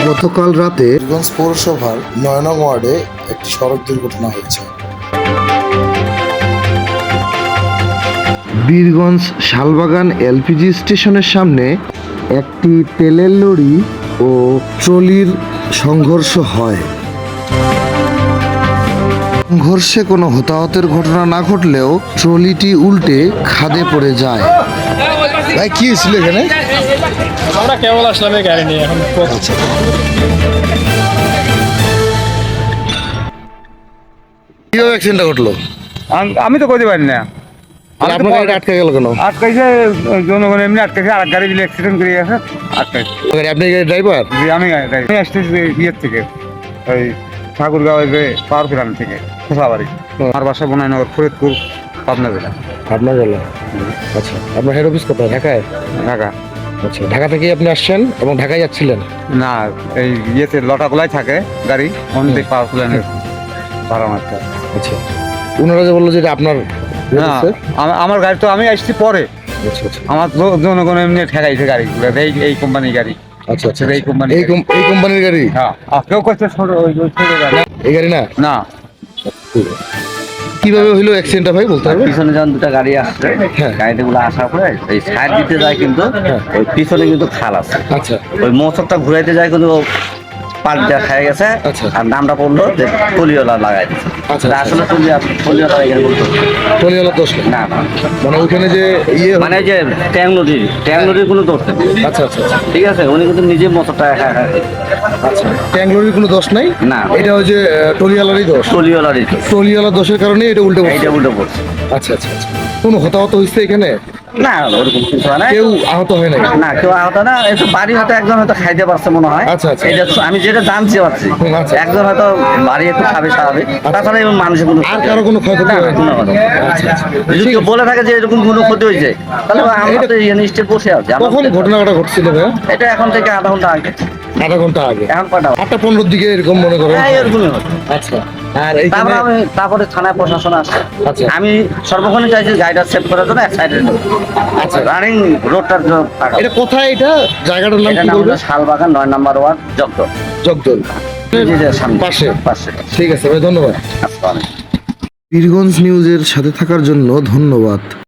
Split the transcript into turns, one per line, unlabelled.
গতকাল রাতে
বীরগঞ্জ পৌরসভার ৯ নং ওয়ার্ডে একটি সড়ক দুর্ঘটনা হয়েছে।
বীরগঞ্জ শালবাগান এলপিজি স্টেশনের সামনে একটি তেলের লরি ও ট্রলির সংঘর্ষ হয়। সংঘর্ষে কোনো হতাহতের ঘটনা না ঘটলেও ট্রলিটি উল্টে খাদে পড়ে যায়।
ভাই কি হয়েছিল এখানে?
আমরা কেবল আসলাম এই গাড়ি নিয়ে এখন
কিভাবে অ্যাক্সিডেন্টটা ঘটলো?
আমি তো করতে পারি না।
আপনার গাড়িটা আটকে গেল কেন?
আটকাইছে জনগণ এমনি আটকাইছে, আর গাড়ি দিলে অ্যাক্সিডেন্ট করে গেছে আটকাইছে।
আপনি গাড়ির ড্রাইভার?
আমি আসতেছি ইয়ের থেকে, ওই ঠাকুরগাঁও পাওয়ার প্ল্যান্ট থেকে খোসাবাড়ি। আমার বাসা বনাইনগর, ফরিদপুর, পাবনা জেলা।
আপনার জেলা? আচ্ছা, আপনার হেড অফিস কোথায়? ঢাকায়?
ঢাকা।
আচ্ছা, ঢাকা থেকে আপনি আসছেন এবং ঢাকায় যাচ্ছিলেন?
না, এই ইয়েতে লটাগুলাই থাকে গাড়ি, অনেক পাওয়ার প্ল্যান্টের ভাড়া মারতে।
আচ্ছা, ওনারা যে বললো যে এটা আপনার?
না, আমার গাড়ি তো আমি আসছি পরে।
আচ্ছা আচ্ছা
আমার জনগণ এমনি ঠেকাইছে গাড়িগুলো, এই কোম্পানির গাড়ি।
আচ্ছা আচ্ছা,
এই কোম্পানি,
এই কোম্পানির গাড়ি?
হ্যাঁ। কেউ করছে ছোট গাড়ি,
এই গাড়ি না?
না।
কিভাবে হইলো অ্যাক্সিডেন্টটা ভাই বলতে পারবেন?
পিছনে যখন দুটা গাড়ি আসছে,
হ্যাঁ।
গাড়িগুলো আসার পরে এই সাইড দিতে যায়, কিন্তু ওই পিছনে কিন্তু খাল আছে।
আচ্ছা
ওই মোচরটা ঘুরাইতে যায়, কিন্তু পাল্টা খাই গেছে।
আচ্ছা।
আর নামটা পড়লো যে টলিওয়ালা লাগাই দিচ্ছে।
আচ্ছা,
তা আসলে টলিওয়ালা এখানে বলতো
টলিওয়ালার দোষ না?
না, না,
মানে ওখানে যে ইয়ে
মানে যে ট্যাংলরির কোনো দোষ নেই।
আচ্ছা আচ্ছা আচ্ছা
ঠিক আছে, উনি কিন্তু নিজে মোচরটা
আচ্ছা, ট্যাংলোরির কোনো দোষ নাই?
না।
এটা ওই যে টলিওয়ালারই দোষ?
টলিওয়ালারই দোষ।
টলিওয়ালার দোষের কারণে এটা উল্টে পড়ছে?
এইটা উল্টো পড়ছে।
আচ্ছা আচ্ছা আচ্ছা, কোনো হতাহত হয়েছে এখানে?
না, ওরকম কিছু হয় না।
কেউ আহত হয় নাই?
না, কেউ আহত না। একটু বাড়ি হয়তো একজন হয়তো খাইতে পারছে মনে হয়।
আচ্ছা, আচ্ছা।
এটা তো আমি যেটা জানতে পারছি,
আচ্ছা।
একজন হয়তো বাড়ি একটু খাবে স্বাভাবিক। তাছাড়া এবং মানুষের কোনো
আর কারো কোনো ক্ষয়ক্ষতি
না, না,
হয়নি?
কোনো কথা।
আচ্ছা আচ্ছা,
যদি কেউ বলে থাকে যে এরকম কোনো ক্ষতি হয়েছে, তাহলে আমরা তো এখানে স্টেট বসে আছি।
কখন ঘটনাটা ঘটছিল ভাইয়া?
এটা এখন থেকে আধা ঘন্টা আগে।
আধা ঘন্টা আগে?
এখন কটা?
8:15 দিকে এরকম মনে করেন?
হ্যাঁ, এরকমই হতো।
আচ্ছা, আর এইখানে?
তারপরে থানায় প্রশাসন আসছে।
আচ্ছা।
আমি সর্বক্ষণে চাইছি গাড়িটা সেভ করার জন্য এক সাইডে। আচ্ছা, রানিং রোডটার জন্য থাকা।
এটা কোথায়? এটা জায়গাটার নাম
এটার
কি
নাম
বলবেন?
হলো শালবাগান 9 নম্বর ওয়ার্ড, জগদল।
জগদল
সামনে
পাশে?
পাশে।
ঠিক আছে ভাই, ধন্যবাদ।
আসসালামু আলাইকুম।
বীরগঞ্জ নিউজের সাথে থাকার জন্য ধন্যবাদ।